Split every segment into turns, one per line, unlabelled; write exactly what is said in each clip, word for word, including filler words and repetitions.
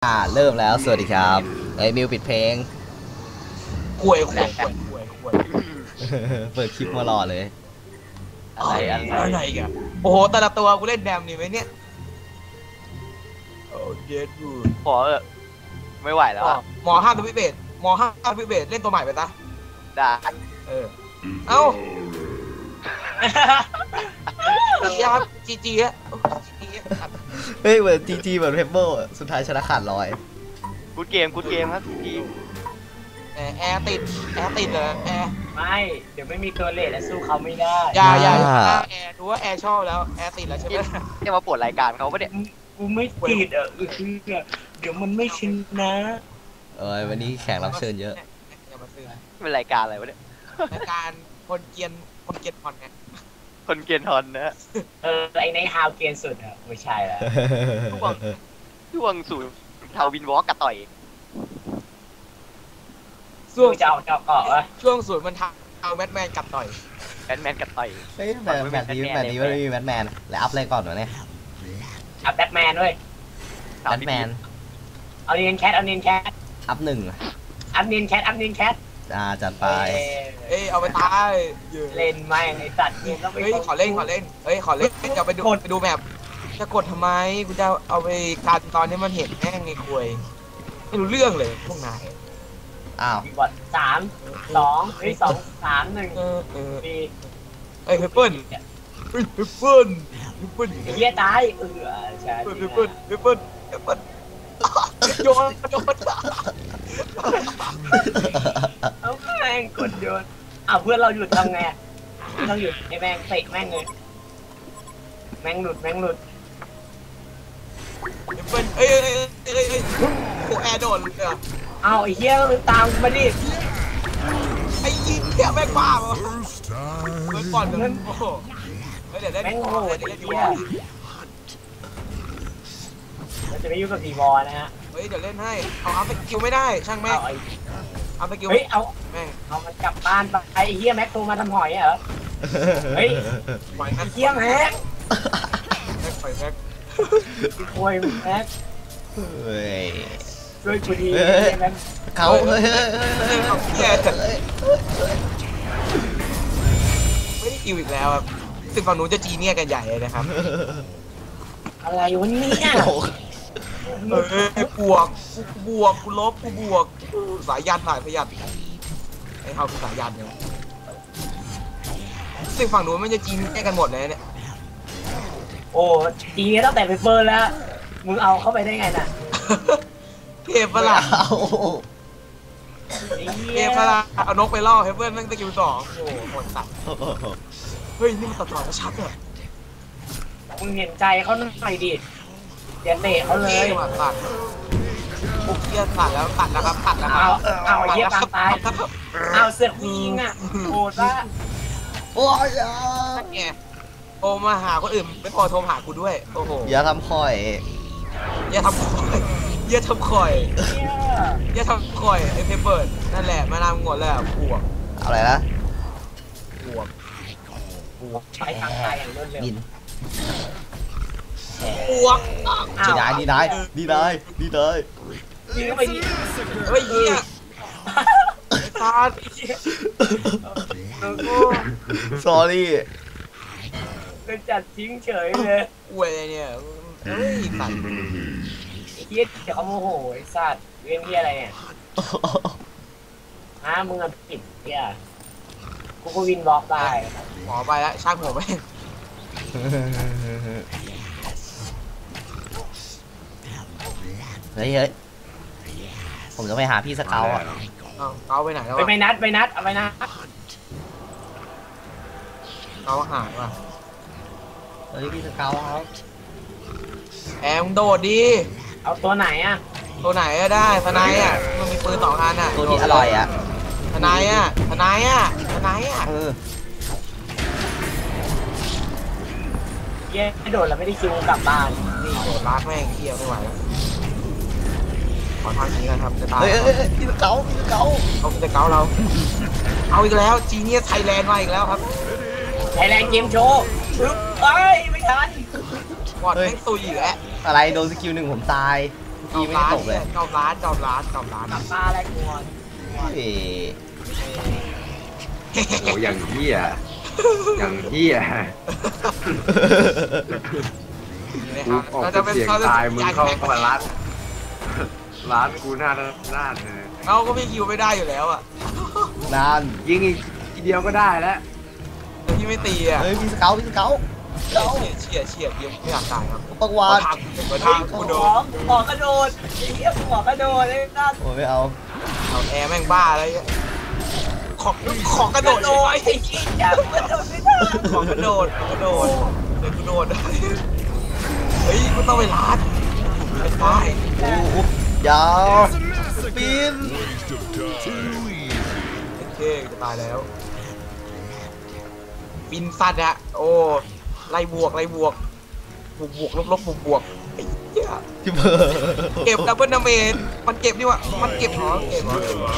อ่าเริ่มแล้วสวัสดีครับไอ้ยมิวปิดเพลง
ควยควยควยควยควย
เปิดคลิปมารอเลย
อะไรอะไรกันโอ้โหแต่ละตัวกูเล่นแดมนี่ไหมเนี่ยโอ้เด็ดบูด
พอเออไม่ไหวแล้วอะ
หมอห้ามตัวพิเบศหมอห้ามตัวพิเบศเล่นตัวใหม่ไปซะ
ได้
เออเอ้าจีครับจีจีฮะจีครับ
เฮ้ยเหมือนจีจีเหมือนเพเบิลสุดท้ายชนะขาดลอย
กูดเกมกูดเกมครับที
แอร์แอร์ติดแอร์ติดเหรอแอร์
ไม่เดี๋ยวไม่มีตัวเลทและสู้เขาไม่ได้
อย่าอย่าอย่าแอร์ดูว่าแอร์ชอบแล้วแอร์ติดแล้วใช่ไหม
จะมาปวดรายการเขาปะเนี่ย
กูไม่ติดอ่ะคือเดี๋ยวมันไม่ชินนะ
เออวันนี้แขกรับเชิญเยอะ
อย่ามาซื้อ
เป็นรายการอะไรวะเนี่ย
รายการคนเกียนคนเกียนพอนไง
คนเกียนทอนนะ
เออไอในฮาวเกียนสุดอ่ะไม่ใช่แล้ว
ช่วงช่วงสู่ทาวินวอล์กกับต่อย
ช่วงจะเอาเจาะเกาะวะ
ช่วงศูนย์มันทำเอาแมทแมนกับต่อย
แบทแมนกับต่อย
เฮ้ยแบบแบบนี้แบบนี้ไม่มีแบทแมนแล้วอัพอะไรก่อนวะเนี่ย
อัพแบทแมนด้วย
แบทแมน
เอาเนียนแคทเอาเนียนแคท
อัพหนึ่ง
อัพเนียนแคทอัพเนียนแคท
อ่าจัดไป
เอ้ยเอาไปตาย
เล่นไม่ไอสัตว์ยิงแล้วไป
เฮ้ยขอเล่นขอเล่นเฮ้ยขอเล่นจะไปดูไปดูแมพจะกดทำไมกูจะเอาไปการตอนนี้มันเห็นแม่งไงคุยไม่รู้เรื่องเลยพวกนาย
อ้าว
บอดสามสองเฮ้ยสองสามหนึ่ง
เออเออ
ปี
เฮ้ยเฮเปิลเฮ้ยเฮเปิลเฮเปิล
เฮียตายเออใช่
เฮเปิลเฮเปิลเฮเปิลโยนโยน
เอาแม่งกดโยนอ้าวเพื่อนเราหยุดทำไงเราหยุดไอ้แม่งเตะแม่งเลยแม่งหลุดแม่งหลุด
เฮเปิลเอ้ยเอ้ยเอ้ยเอ้ยโอ้แอร์โดนเลยอ่ะ
เอาไอ้เหี้ยตามมาดิ
ไอ้ยี่เหี้ยแม่งบ้าเหรอเมื่อก่อนมันโอ้โหเดี๋ยวได้แม่งโง่เดี๋ยวได้ดู
เราจะไม่ยุ่งกับดีบอลนะฮะ
เฮ้ยเดี๋ยวเล่นให้เอาอัพสกิลไม่ได้ช่างแม่งอัพสกิล
เฮ้ยเอา
แม่ง
เอามันกลับบ้านไปไอ้เหี้ยแม็กโทรมาทำหอยเหรอเฮ้ยไอ้เหี้ยแม็ก
แม็กปล่อยแม็ก
โวยแม็ก
เฮ้ย
ช่วยกูดีแม็ก
เขาเฮ้ยเฮ้ยเฮ้ยเขา
แย่เลยไม่ได้คิวอีกแล้วครับซึ่งฝั่งนู้นจะจีเนี่ยกันใหญ่เลยนะครับ
อะไรวะเนี่ย
เออบวกบวกกูลบกูบวกสายยันสายพยันไอ้เขาคือสายยันเนี่ยซึ่งฝั่งนู้นมันจะจีเนี่ยกันหมดเลยเนี่ย
โอ้จีเนี่ยตั้งแต่ไปเปิดแล้วมึงเอาเข้าไปได้ไงน่ะ
เทพปะล่ะเทพปะล่ะเอานกไปล่อเฮเบิร์นนั่งตะกิ้วสองโอ้โหหมดสัตว์เฮ้ยนี่มันตัดต่อชัดเลย
มึงเห็นใจเขาหน่อยดิอย่าเตะเขาเลย
ตัดปุ๊บเยี่ยตัดแล้วตัดแล้วครับตัดแล้ว
เอาเอาเยี่ยตายเอาเสือกยิงอ่ะโหดละ
โอ้ย
แกโทรมาหาคนอื่นไม่พอโทรหากูด้วยโอ้โห
อย่าทำคอย
อย่าทำคอยอย่าทำคอยอย่าทำคอยไอ้เพเปิลนั่นแหละมานำงดแล้วบวก
อะไรนะ
บวก
บวกใช้ทางตายอย่างรวดเร็ว
บวก
ดีได้ดีได้ดีได้ดีได้
ยิงเข้าไปดิ
เฮ้ยเฮียตา
สอรี่
เป็นจัดทิ้งเฉยเลย
อวยเนี่ยเฮ้ยสัตว์
ไอ้เหี้ยเดี๋ยวเขาโมโหไอ้สัตว์เรื่องเหี้ยอะไรเนี่ยฮะมึงอ่ะผิดเหี้ยกูก็วินบล็อกได้
หมอไปแล้วช่างหัวไป
เฮ้ยเฮ้ยผมจะไปหาพี่สเกลอ่ะ
เกาไปไหนแล้ว
ไปไปนัดไปนัดเอาไปนัด
เกาหายว่ะ
เฮ้ยพี่สเกลครับ
แอมโดดดี
เอาตัวไหนอ่ะ
ตัวไหนก็ได้ทนายอ่ะมันมีปืนสองอันอ่ะ
ตัวนี้อร่อยอ่ะ
ทนายอ่ะทนายอ่ะทนายอ่ะ
เออ
เย้โดดแล้วไม่ได้คิวกลับบ้าน
นี่โดดรัดแม่งเที่ยวไม่ไหวแล้วขอทางนี้นะครับจะตาย
เฮ้ยเฮ้ยพี่สเกลพี่สเกล
เอาพี่สเกลเราเอาอีกแล้วจีเนียสไทยแลนด์มาอีกแล้วครับ
ไทยแลนด์เกมโชว์เฮ้ยไม่ทัน
บอดไม่ตุยอีกแล้ว
อะไรโดนสกิลหนึ่งผมตายอีไม่ได้ตกเลย
จอมร้านจอมร้านจอมร้าน
กลับมาอะไรกวน
เฮ้ย
โอ้อย่างเหี้ยอย่างเหี้ย กูออกเป็นเสียงตายมึงเข้ามาร้านร้านกูหน้าด้านเลย
เราก็ไม่คิวไม่ได้อยู่แล้วอ่ะ
นาน
ยิงอีกทีเดียวก็ได้แล้ว
แต่พี่ไม่ตีอ่ะ
เฮ้ยมีสเกลมีสเกล
เฉียดเฉียดเฉียดเดียวไม่อยากตายครับ
ปักวาด
ทางเป็นกระทางกู
ห
โด
มอน หมอกระโดดไอ้เหี้ยหมอกระโดดไอ้นั่น
โอ้ยไม่เอา
เอาแอร์แม่งบ้าอะไรเงี้ยขอขอกระโดด
โดดไอ้เหี้ยกระโดดไม่ได้
ขอกระโดดขอกระโดดเดี๋ยวกูโดดเฮ้ยกูต้องไปร้านไปได้
โอ้โหยาวสปิน
โอเคจะตายแล้วบินสัตว์อะโอ้ไล่บวกไล่บวกบวกบวกลบลบบวกบวกไอ้เหี้ย
ที่เบอร์
เก็บดับเบิลดาเมจมันเก็บนี่วะมันเก็บเหรอเก็บเหรอเก็บเหรอ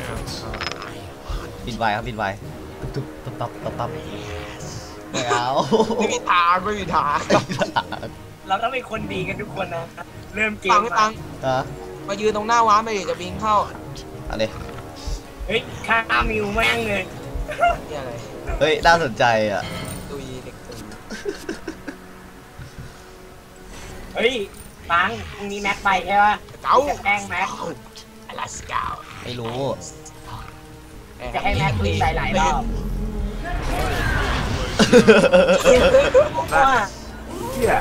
บินไวครับบินไวตุ๊บตับตับตับตับไม่เอา
ไม่มีทางไม่มีทาง
เราต้องเป็นคนดีกันทุกคนนะเริ่มเก
ตั
ม
งไม่ตัง
ฮะ
มายืนตรงหน้าว้านไปดิจะบิงเข้า
อะไร
เฮ้ยฆ่ามิวแม่งเลย
นี่อะไร
เฮ้ยน่าสนใจอ่ะ
ตุยเด็กตุย
เฮ้ยปังพรุ่งนี้แม็กไปใช่ปะ
เก้า
จะแกล้งแม็ก
อลาสกา
ไม่รู้
จะให้แม็กวิ่งหลายๆรอบว่า
เหี้ย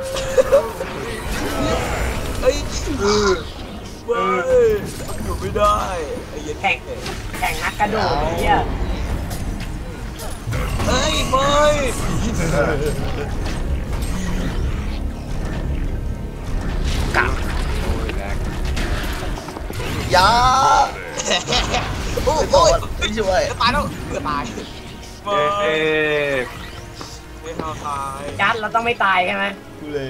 เฮ้ยเออเว้ยอยู่ไม่ได้ไอ้เหี้ย
แข่งแข่งนักกระโดดไอ้เหี้ย
เฮ้ยไม่
โอ้ยแรง
ยา
โอ้
ไม่
โห
โดนไม่ช่วย
จะตายแล้วเกือบตายไม่
เอ๊ะ
ไม่ทำตาย
จัดเราต้องไม่ตายใช่ไหม
กูเลย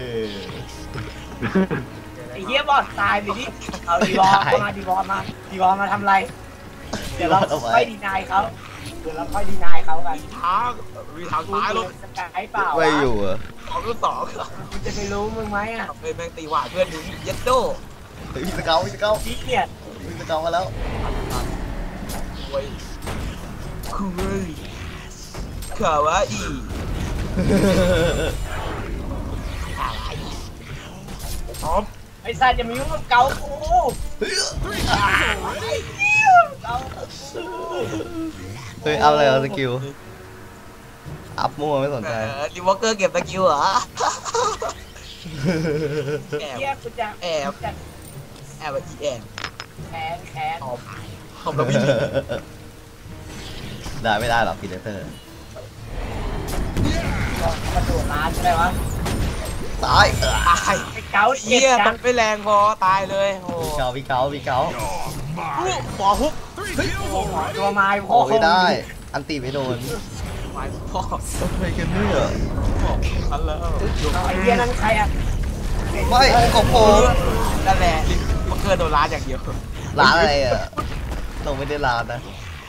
ไอ้เหี้ยบอดตายไปดิเอาดีวอลมาดีวอลมาดีวอลมาทำอะไรเดี๋ยวเราค่อยดีนายเขาเดี๋ยวเราค่อยดีนายเขากัน
ทางมีทาง
กู
ตาย
อ
แล้
ยู่
ว
สกายเปล่า
ไม่อยู่อ่ะ
สองรุ่นสอง
กูจะไปรู้มึงไหมอ่ะ
เฮ้ยแม่งตีหวาดเพื่อนดูเย็ดโด
เฮ้ยมีสเกลมีสเกล
พี่เกียด
มีสเกลมาแล้ว
โว้ยคุยขาวาอีขาวาอีพร้อม
ไอ้สัตว์จะมายุ่งกับเกากูเกา
เฮ้ยอัพอะไรเอาสกิลอัพมั่วไม่สน
เอ
ใจ
อดิวอเกอร์เก็บตะกิ้วเหรอแอบ
เกียกูจะ
แอบ
จะ
แอบอีแอบ
แค้นแค้น
ตอบตอบแล้ววิ่ง
ได้ไม่ได้หรอกพีเดเตอร์
กระโดดร้านใช่ไหมวะ
ตายเออ
ตาย
ไอ้เกาเจ็
เหี้
บ
ย
จั
มั
ง
นไม่แรงพอตายเลยโอ้
พี่เกาพี่เกาพี่เกา
หมอฮุบ
ตัวไม้พ่อ
โอ้ยได้ อันตีไม่โดน
หมายพ่อ
อะไรกันเนี่ย
ทันแล้ว
ไอ้เหี้ยนั่นใครอ่ะ
ไม่ของผม
นั่นแหละมันเกินโดนร้านอย่างเดียว
ร้านอะไรอ่ะเราไม่ได้ร้านนะ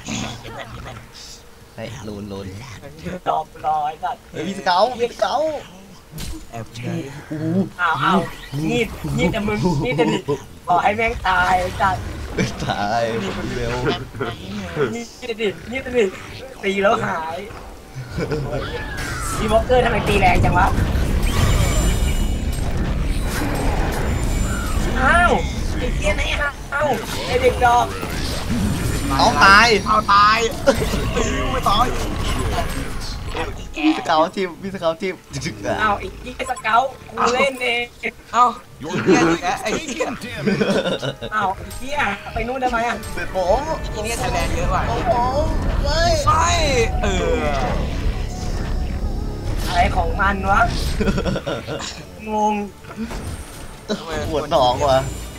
เฮ้ยลูนลูน
ตอบรอไอ้สัตว์
เฮ้ยพี่สเกาพี่สเกา
แอบได้
อ้าวอ้าวงีดงีดแต่มึงงีดแต่ดิขอให้แม่งตายไอ้สัตว์
ตายเร็ว
งีดแต่ดิงีดแต่ดิตีแล้วหายดีวอลเกอร์ทำไมตีแรงจังวะอ้าวไอ้เหี้ยไหนฮะอ้าวไอ้เด็กดอก
เอาตาย
เอาตายไม่ตาย
พี่สเกาทีมพี่สเกาทีมจึ๊กๆอ่ะ
อ้าวไอ้เหี้ยสเกลกูเล่นเอง
เอ้าเหี้ยอีกแล้วไอ้เหี้ย
อ้าวไอ้เหี้ยไปนู่นได้ไหมอ่ะ
เป็นผม
อีเนี่ยไทยแลนด์เยอะกว่า
ของผมไม่
ไม่เออ
อะไรของมันวะงง
ปวดท้องว่ะ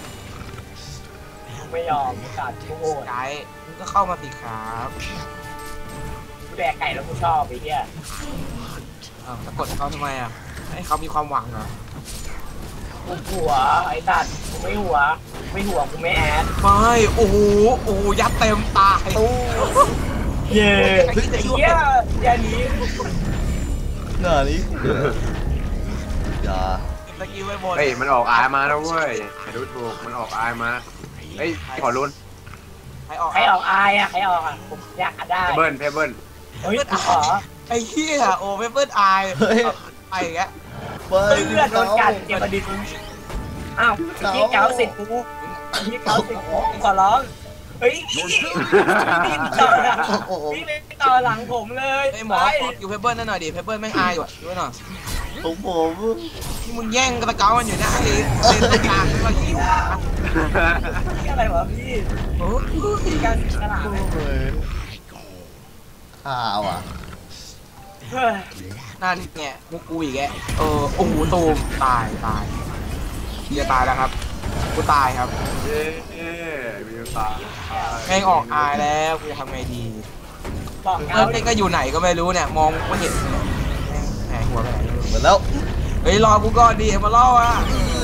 ไม่ยอมกัดกูโหด
ไกด์มึงก็เข้ามาสิครับ
กูแดกไก่แล้วกูชอบไอ้เหี้ย
อ้าวจะกดเขาทำไมอ่ะให้เขามีความหวังเหรอ
กูหัวไอ้สัตว์กูไม่หัวไม่หัวกูไม่แอด
ไม่โอ้โหโอ้โหยัดเต็มตาย
ตู้
เย้ไอ้เหี้ยอย่าหนี
หน้านี้อย่า
ตะกิลไปหมด
เฮ้ยมันออกอายมาแล้วเว้ยอย่าดูถูกมันออกอายมาเฮ้ยขอรุน
ใครออก
ใครออกอายอ่ะใครออกอ่ะผมอยากได้
เพเบิลเพเบิล
เฮ้ยขอ
ไอ้เหี้ยโอ้เปเปิลอายไปอีกแล้ว
เฮ้ย
เพื่อนโดนกัดเจ็บประดิษฐ์อ้าวพี่เก้าสิบกูพี่เก้าสิบกูขอร้องเฮ้ยพี่ต่อหลังพี่ไม่ต่อหลังผมเลย
ไอ้หมอขอคิวเพเปิลนั่นหน่อยดิเพเปิลแม่งอายว่ะดูหน่อย
ของผม
ที่มึงแย่งกระเกามันอยู่นะไอ้เลนตรงกลางไม่ว่าคิว
พี่อะไรวะพี่
โอ้
พี่การตลาด
โอ้ยข่าวอ่ะ
เฮ้ย
นั่นไงมุกกูอีกแกเออโอ้โหตูมตายตายเฮียตายแล้วครับกูตายครับ
เย้มีตา
แม่งออกอายแล้วกูจะทำไงดี
บอก
เอ
เก้า
อเด็กก็อยู่ไหนก็ไม่รู้เนี่ยมองไม่เห็นเลยแหมหัวไปไหน
หมดแล้ว
เฮ้ยรอกูก่อนดิมาล่ออ่ะ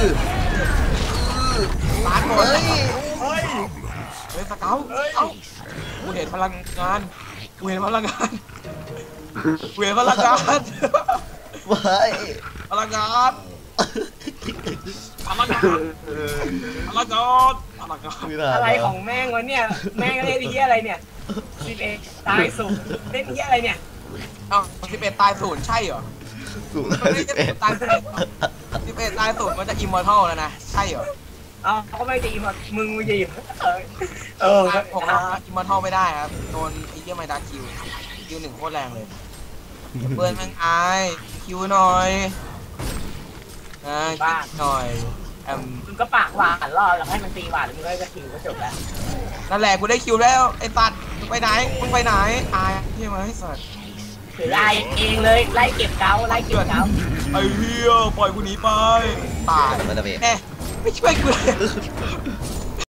ตายหมด
เฮ้ย
เฮ้ย
เฮ้ยสเกาเอ้ากูเห็นพลังงานกูเห็นพลังงานกูเห็นพลังงาน
เฮ้ย
พลังงานพลังงานพลังงานพลังงาน
ไม่ได้
อะไรของแม่งวะเนี่ยแม่งเล่นที่อะไรเนี่ยสิบเอ็ดตายสุดเล่นที่อะไรเนี่ย
เอ้าสิบเอ็ดตายศูนย์ใช่เหรอ
สูง
ไม่
สิบ
ใช่
เอ็ด
ตายศูนย์สิบเอ็ดตายศูนย์มันจะอิมมอร์ทัลแล้วนะใช่เหรอ
เอาเขาไม่จะอิ่มมึงไม่จะอิ่มเออเออ
ผมอิมมอร์ทัลไม่ได้ครับโดนไอ้เหี้ยไมดาคิวคิวหนึ่งโคตรแรงเลยเบิร์นแม่งอายคิวหน่อยนะคิวหน่อยแอม
มึงก็ปากหวานรอแล้วให้มันตีหวานมึงก็จะคิวก็จบแล้ว
นั่นแหละกูได้คิวแล้วไอ้ตัดมึงไปไหนมึงไปไหนอายใช่ไหมไอ้สัตว์
ถือไล่เองเลยไล่เก็บเกาไล่เก็บเกา
ไอ้เหี้ยปล่อยกูหนีไปตาย
มันจะเบรก
แน่ไม่ช่วยกูเลย